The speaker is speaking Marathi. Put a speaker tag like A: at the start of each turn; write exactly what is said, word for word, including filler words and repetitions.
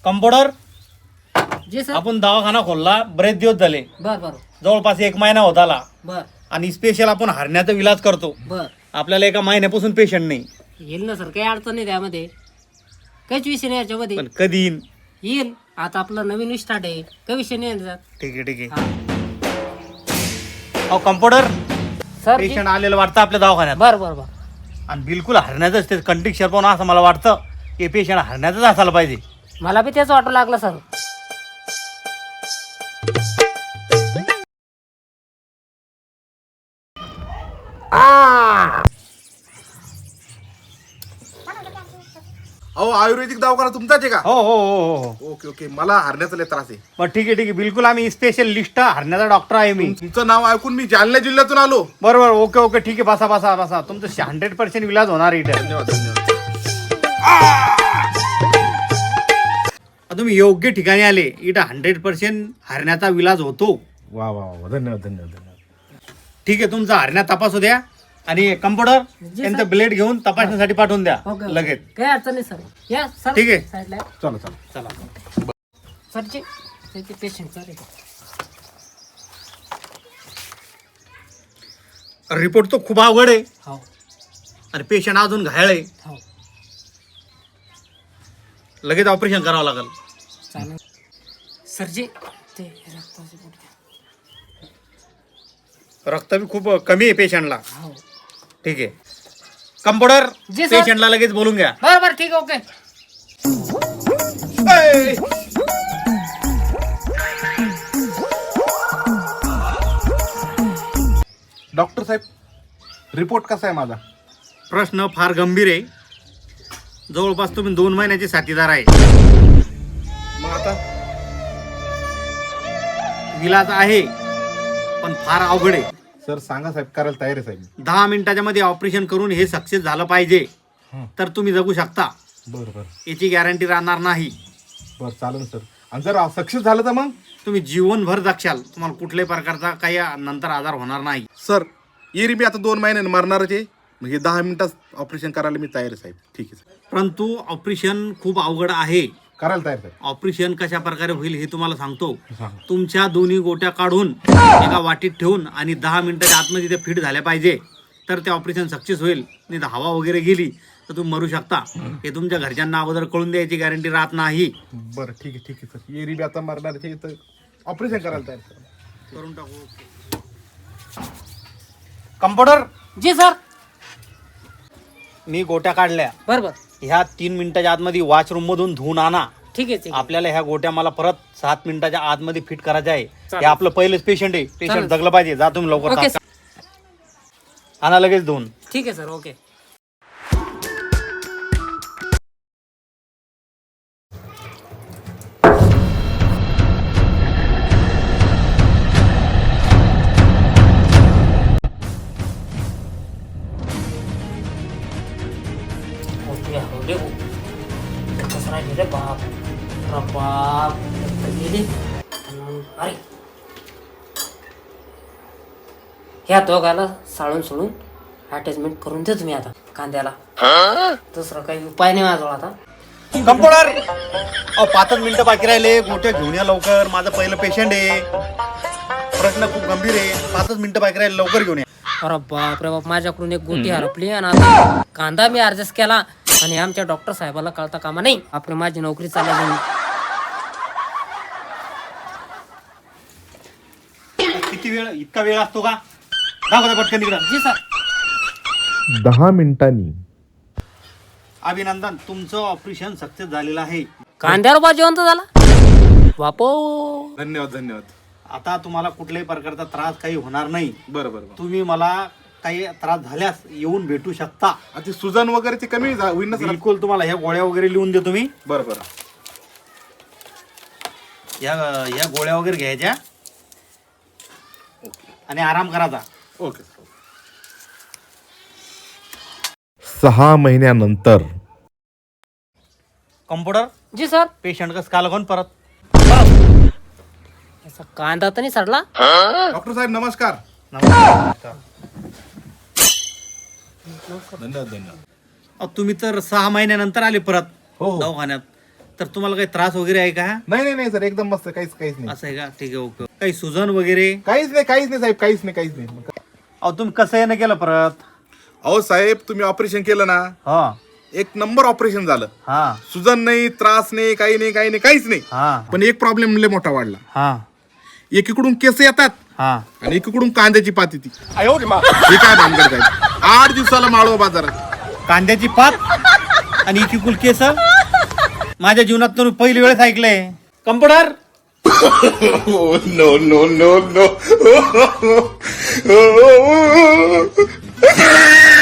A: कंपाऊंडर
B: जी सर.
A: आपण दवाखाना खोलला बरेच दिवस झाले,
B: बर बर
A: जवळपास एक महिना होत आला
B: बर
A: आणि स्पेशल आपण हरण्याचा इलाज करतो.
B: बर
A: आपल्याला एका महिन्यापासून पेशंट नाही,
B: येईल ना सर, काही अडचण नाही त्यामध्ये, काहीच विषय नाही याच्यामध्ये.
A: पण कधी येईन?
B: येईल, आता आपलं नवीन स्टार्ट आहे, काही विषय नाही याच्यात.
A: ठीक आहे ठीक आहे.
B: हा.
A: अहो कंपाऊंडर,
B: सर
A: पेशंट आलेलं वाटतं आपल्या दवाखान्यात
B: बर बर बर
A: आणि बिलकुल हरण्याचंच ते कंडिक्शन पाहून असं मला वाटतं की पेशंट हरण्याचंच असायला पाहिजे.
B: मला बी तेच वाटू लागलं सर.
C: अहो आयुर्वेदिक दवाखाना तुमचाच आहे का?
A: हो हो हो हो हो
C: ओके ओके, मला हरण्याचा लय त्रास आहे.
A: मग ठीक आहे ठीक आहे, बिलकुल आम्ही स्पेशल लिस्ट हरण्याचा डॉक्टर आहे मी.
C: तुमचं नाव ऐकून मी जालना जिल्ह्यातून आलो.
A: बरोबर, ओके ओके ठीक आहे, बसा बसा बसा, तुमचं हंड्रेड पर्सेंट इलाज होणार इथे.
C: धन्यवाद धन्यवाद.
A: तुम्ही योग्य ठिकाणी आले, इथं हंड्रेड पर्सेंट हरण्याचा इलाज होतो.
C: वा वा वा, धन्यवाद धन्यवाद धन्यवाद.
A: ठीक आहे, तुमचा हरण्या तपासू द्या आणि कंपाऊंडर
B: जी,
A: त्यांचं
B: सर.
A: ब्लेड घेऊन तपासण्यासाठी पाठवून द्या
B: ओके
A: लगेच.
B: काही अडचण नाही सर. या सर,
A: ठीक आहे.
B: साईडला
C: चला चला.
A: चला.
B: सरचे त्याचे पेशंट चालेल.
A: रिपोर्ट तो खूप अवघड आहे
B: हो
A: आणि पेशंट अजून घायल आहे,
B: हो
A: लगेच ऑपरेशन करावं लागेल.
B: चालेल सरजी. ते रक्ताचे बोट घ्या.
A: रक्त बी खूप कमी आहे पेशंटला.
B: हो
A: ठीक आहे कंपाऊंडर,
B: जी, सर.
A: पेशंटला लगेच बोलून घ्या.
B: बरं बरं ठीक आहे, ओके.
C: डॉक्टर साहेब, रिपोर्ट कसा आहे माझा?
A: प्रश्न फार गंभीर आहे, जवळपास तुम्ही दोन महिन्याचे साथीदार आहे.
C: मग आता
A: इलाज आहे पण फार अवघड आहे.
C: सर सांगा साहेब, करायला तयार आहे साहेब.
A: दहा मिनिटाच्या मध्ये ऑपरेशन करून हे सक्सेस झालं पाहिजे
C: हं.
A: तर तुम्ही जगू शकता,
C: बरं बरं
A: याची गॅरंटी राहणार नाही.
C: बरं चालेल सर. आणि जर सक्सेस झालं तर मग?
A: तुम्ही जीवनभर जगशाल, तुम्हाला कुठल्याही प्रकारचा काही नंतर आजार होणार नाही.
C: सर येरी मी आता दोन महिन्याने मरणारच आहे, म्हणजे दहा मिनिटात ऑपरेशन करायला मी तयार आहे साहेब. ठीक आहे साहेब,
A: परंतु ऑपरेशन खूप अवघड आहे.
C: करायला तयार साहेब.
A: ऑपरेशन कशा प्रकारे होईल हे तुम्हाला सांगतो.
C: सांगा.
A: तुमच्या दोन्ही गोट्या काढून एका वाटीत ठेवून आणि दहा मिनिटाच्या आतमध्ये ते फिट झाल्या पाहिजे तर ते ऑपरेशन सक्सेस होईल. नाही तर हवा वगैरे गेली तर तुम्ही मरू शकता. हे तुमच्या घरच्यांना अगोदर कळून द्यायची गॅरंटी राहत नाही.
C: बरं ठीक आहे ठीक आहे सर. येरी बी आता मरणार आहे तर ऑपरेशन करायला तयार सर.
A: करून टाकू. कंपाऊंडर,
B: जी सर.
A: मी गोट्या काढल्या,
B: बरं बरं
A: ह्या तीन मिनिटाच्या आतमध्ये वॉशरूम मधून धुवून आणा.
B: ठीक आहे ठीक आहे.
A: आपल्याला ह्या गोट्या मला परत सात मिनिटाच्या आतमध्ये फिट करायच्या आहे. हे
B: चालेल.
A: आपलं पहिलेच पेशंट आहे, पेशंट
B: चालेल.
A: जगलं पाहिजे. जा तुम्ही लवकर
B: ओके
A: तात्काळ. आणा लगेच धुवून.
B: ठीक आहे सर, ओके. ओके, हो दे हो. कसं राहिले रे बाप. अरे बाप, रक्त गेली. अरे ह्या दोघाला साळून सोडून अटॅचमेंट करून दे तुम्ही आता कांद्याला. दुसरा काही उपाय नाही माझ्याजवळ आता.
A: कंपाऊंडर, अहो पाचच मिनिटं बाकी राहिले, गोट्या घेऊन या लवकर. माझं पहिलं पेशंट आहे, प्रश्न खूप गंभीर आहे. पाचच मिनिटं बाकी राहिले, लवकर घेऊन या.
B: अरे बाप रे बाप, माझ्याकडून एक गोटी हरपली आणि आता कांदा मी ऍडजस्ट केला आणि आमच्या डॉक्टर साहेबाला कळता कामा नाही. आपली माझी नोकरी चालली.
A: किती वेळ, इतका वेळ असतो का? दाखवा पटकन तिकडं.
B: जी सर.
C: दहा मिनिटांनी.
A: अभिनंदन, तुमचं ऑपरेशन सक्सेस झालेलं आहे.
B: कांद्यावर बा जिवंत झाला बापो.
C: धन्यवाद धन्यवाद.
A: आता तुम्हाला कुठल्याही प्रकारचा त्रास काही होणार नाही.
C: बरं बरं बरं.
A: तुम्ही मला काही त्रास झाल्यास येऊन भेटू शकता.
C: आता सुजन वगैरे ते कमी झा- होईल ना सर?
A: बिलकुल, तुम्हाला ह्या गोळ्या वगैरे लिहून देतो मी.
C: बरं बरं.
A: या ह्या गोळ्या वगैरे घ्यायच्या आणि आराम करायचा.
C: Okay sir.
D: सहा महिन्यानंतर.
A: कंपाऊंडर,
B: जी सर.
A: पेशंट कसं काल कोण परत?
B: असा कांदा तर नाही सडला?
C: डॉक्टर साहेब नमस्कार.
A: नमस्कार.
C: धन्यवाद धन्यवाद.
A: अहो, तुम्ही तर सहा महिन्यानंतर आले परत
C: हो हो.
A: दवाखान्यात. तर तुम्हाला काही त्रास वगैरे आहे का?
C: नाही नाही नाही सर, एकदम मस्त, काहीच काहीच नाही.
A: असं आहे का? ठीक आहे, ओके. काही सुजन वगैरे?
C: काहीच नाही काहीच नाही साहेब, काहीच नाही काहीच नाही.
A: अहो तुम्ही कसं येणं केलं परत?
C: अहो साहेब, तुम्ही ऑपरेशन केलं ना,
A: हा
C: एक नंबर ऑपरेशन झालं.
A: हा
C: सुजन नाही, त्रास नाही, काही नाही, काही नाही, काहीच नाही.
A: हा
C: पण एक प्रॉब्लेम लय मोठा वाढला.
A: हा
C: एकीकडून केस येतात
A: हा
C: आणि एकीकडून कांद्याची पात येते. हे काय भानगड साहेब? आठ दिवसाला माळवा बाजारात.
A: कांद्याची पात आणि इकिकुल केस माझ्या जीवनात तुम्ही पहिली वेळेस ऐकलंय. Computer
C: no no no no